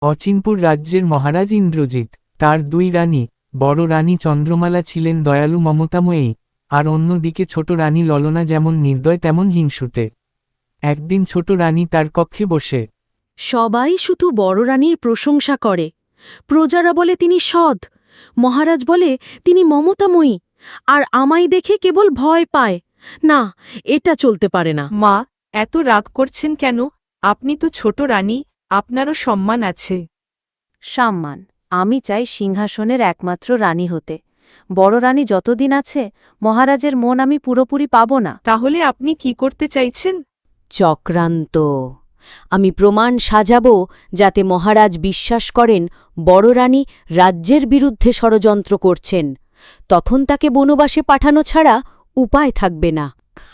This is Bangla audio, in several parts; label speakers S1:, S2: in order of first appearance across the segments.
S1: অচিনপুর রাজ্যের মহারাজ ইন্দ্রজিৎ, তার দুই রানী, বড় রানী চন্দ্রমালা ছিলেন দয়ালু মমতাময়ী, আর অন্যদিকে ছোট রানী ললনা যেমন নির্দয় তেমন হিংসুটে। একদিন ছোট রানী তার কক্ষে বসে
S2: সবাই শুধু বড় রানীর প্রশংসা করে। প্রজারা বলে তিনি সৎ, মহারাজ বলে তিনি মমতাময়ী, আর আমায় দেখে কেবল ভয় পায়। না, এটা চলতে পারে না।
S3: মা, এত রাগ করছেন কেন? আপনি তো ছোট রানী, আপনারও সম্মান আছে।
S4: সম্মান? আমি চাই সিংহাসনের একমাত্র রানী হতে। বড় রানী যতদিন আছে, মহারাজের মন আমি পুরোপুরি পাব না।
S3: তাহলে আপনি কি করতে চাইছেন?
S4: চক্রান্ত। আমি প্রমাণ সাজাব যাতে মহারাজ বিশ্বাস করেন বড় রানী রাজ্যের বিরুদ্ধে ষড়যন্ত্র করছেন। তখন তাকে বনবাসে পাঠানো ছাড়া উপায় থাকবে না।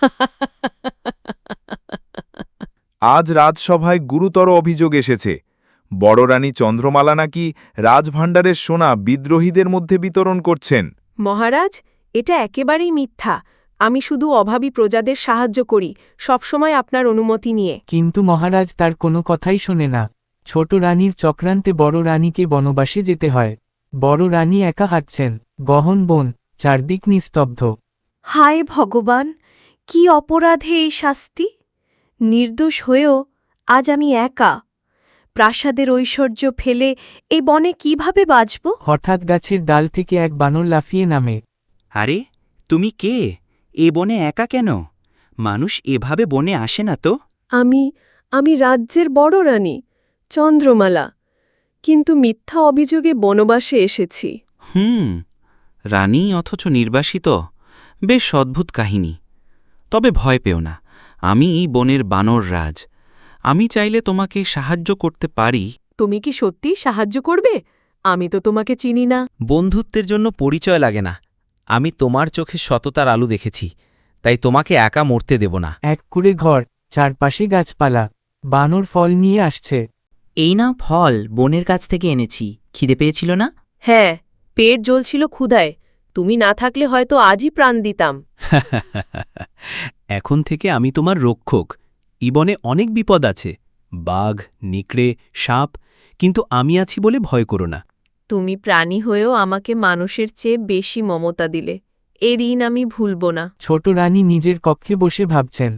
S5: আজ রাজসভায় গুরুতর অভিযোগ এসেছে। বড় রানী চন্দ্রমালা নাকি রাজভাণ্ডারের সোনা বিদ্রোহীদের মধ্যে বিতরণ করছেন।
S2: মহারাজ, এটা একেবারেই মিথ্যা। আমি শুধু অভাবী প্রজাদের সাহায্য করি, সবসময় আপনার অনুমতি নিয়ে।
S1: কিন্তু মহারাজ তার কোনো কথাই শোনে না। ছোট রানীর চক্রান্তে বড় রানীকে বনবাসে যেতে হয়। বড় রানী একা হাঁটছেন, গহন বন, চারদিক নিস্তব্ধ।
S2: হায় ভগবান, কি অপরাধে এই শাস্তি! নির্দোষ হয়েও আজ আমি একা। প্রাসাদের ঐশ্বর্য ফেলে এই বনে কিভাবে বাঁচব?
S1: হঠাৎ গাছের ডাল থেকে এক বানর লাফিয়ে নামে।
S6: আরে, তুমি কে? এ বনে একা কেন? মানুষ এভাবে বনে আসে না তো।
S2: আমি রাজ্যের বড় রানী চন্দ্রমালা, কিন্তু মিথ্যা অভিযোগে বনবাসে এসেছি।
S6: রানী অথচ নির্বাসিত, বেশ অদ্ভুত কাহিনী। তবে ভয় পেও না, আমি এই বনের বানর রাজ। আমি চাইলে তোমাকে সাহায্য করতে পারি।
S2: তুমি কি সত্যি সাহায্য করবে? আমি তো তোমাকে চিনি না।
S7: বন্ধুত্বের জন্য পরিচয় লাগে না। আমি তোমার চোখে সততার আলো দেখেছি, তাই তোমাকে একা মরতে দেব না।
S1: এক কুঁড়ে ঘর, চারপাশে গাছপালা, বানর ফল নিয়ে আসছে।
S8: এই নাও ফল, বোনের কাছ থেকে এনেছি। খিদে পেয়েছিল না?
S2: হ্যাঁ, পেট জ্বলছিল ক্ষুধায়। তুমি না থাকলে হয়তো আজই প্রাণ দিতাম।
S7: এখন থেকে আমি তোমার রক্ষক। ইবনে অনেক বিপদ আছে, বাঘ, নিকড়ে, সাপ, কিন্তু আমি আছি বলে ভয় করো না।
S2: তুমি প্রাণী হয়েও আমাকে মানুষের চেয়ে বেশি মমতা দিলে। এ ঋণ আমি ভুলব না।
S1: ছোট রানী নিজের কক্ষে বসে ভাবছেন।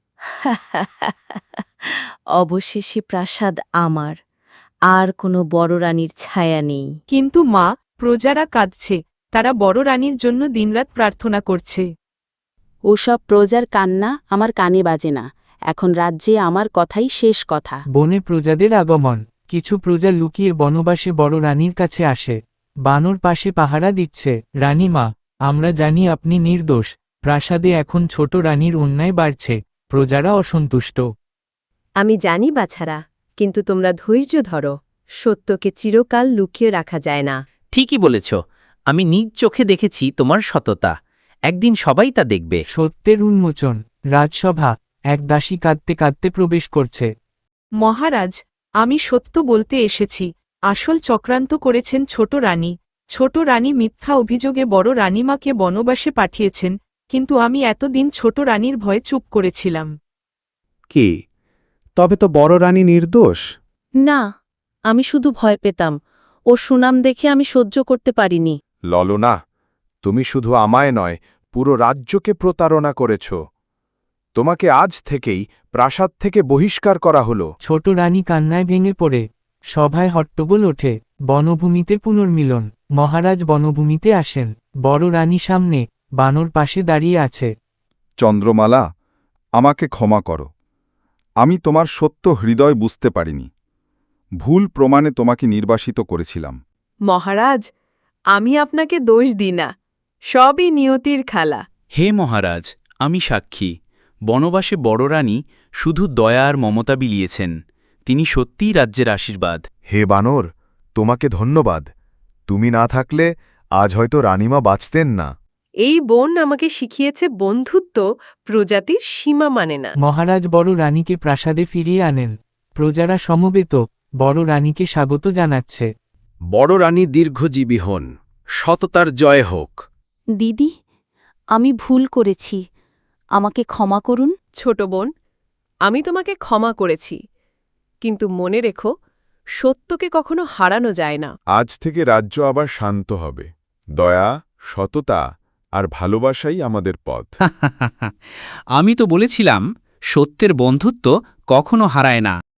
S4: অবশেষে প্রাসাদ আমার, আর কোনো বড় রানীর ছায়া নেই।
S3: কিন্তু মা, প্রজারা কাঁদছে, তারা বড় রানীর জন্য দিনরাত প্রার্থনা করছে।
S4: ওসব প্রজার কান্না আমার কানে বাজে না। এখন রাজ্যে আমার কথাই শেষ কথা।
S1: বনে প্রজাদের আগমন। কিছু প্রজা লুকিয়ে বনবাসে বড় রানীর কাছে আসে। বানর পাশে পাহারা দিচ্ছে। রানীমা, আমরা জানি আপনি নির্দোষ। প্রাসাদে এখন ছোট রানীর অন্যায় বাড়ছে, প্রজারা অসন্তুষ্ট।
S2: আমি জানি বাছারা, কিন্তু তোমরা ধৈর্য ধরো। সত্যকে চিরকাল লুকিয়ে রাখা যায় না।
S8: ঠিকই বলেছ, আমি নিজ চোখে দেখেছি তোমার সততা। একদিন সবাই তা দেখবে।
S1: সত্যের উন্মোচন। রাজসভা। এক দাসী কাঁদতে কাঁদতে প্রবেশ করছে।
S3: মহারাজ, আমি সত্য বলতে এসেছি। আসল চক্রান্ত করেছেন ছোট রানী। ছোট রানী মিথ্যা অভিযোগে বড় রানীমাকে বনবাসে পাঠিয়েছেন, কিন্তু আমি এতদিন ছোট রানীর ভয়ে চুপ করেছিলাম।
S9: কি? তবে তো বড় রানী নির্দোষ।
S2: না, আমি শুধু ভয় পেতাম। ওর সুনাম দেখে আমি সহ্য করতে পারিনি।
S5: ললনা, তুমি শুধু আমায় নয়, পুরো রাজ্যকে প্রতারণা করেছ। তোমাকে আজ থেকেই প্রাসাদ থেকে বহিষ্কার করা হলো।
S1: ছোট রানী কান্নায় ভেঙে পড়ে। সভায় হট্টগোল ওঠে। বনভূমিতে পুনর্মিলন। মহারাজ বনভূমিতে আসেন। বড় রানী সামনে, বানর পাশে দাঁড়িয়ে আছে।
S5: চন্দ্রমালা, আমাকে ক্ষমা করো। আমি তোমার সত্য হৃদয় বুঝতে পারিনি। ভুল প্রমাণে তোমাকে নির্বাসিত করেছিলাম।
S2: মহারাজ, আমি আপনাকে দোষ দিই না। সবই নিয়তির খেলা।
S6: হে মহারাজ, আমি সাক্ষী। বনবাসে বড় রানী শুধু দয়া আর মমতা বিলিয়েছেন। তিনি সত্যিই রাজ্যের আশীর্বাদ।
S5: হে বানর, তোমাকে ধন্যবাদ। তুমি না থাকলে আজ হয়তো রানীমা বাঁচতেন না।
S2: এই বোন আমাকে শিখিয়েছে বন্ধুত্ব প্রজাতির সীমা মানে না।
S1: মহারাজ বড় রানীকে প্রাসাদে ফিরিয়ে আনেন। প্রজারা সমবেত, বড় রানীকে স্বাগত জানাচ্ছে।
S10: বড় রানী দীর্ঘজীবী হন, সততার জয় হোক।
S4: দিদি, আমি ভুল করেছি, আমাকে ক্ষমা করুন।
S2: ছোট বোন, আমি তোমাকে ক্ষমা করেছি, কিন্তু মনে রেখো, সত্যকে কখনো হারানো যায় না।
S5: আজ থেকে রাজ্য আবার শান্ত হবে। দয়া, সততা আর ভালোবাসাই আমাদের পথ।
S7: আমি তো বলেছিলাম সত্যের বন্ধুত্ব কখনো হারায় না।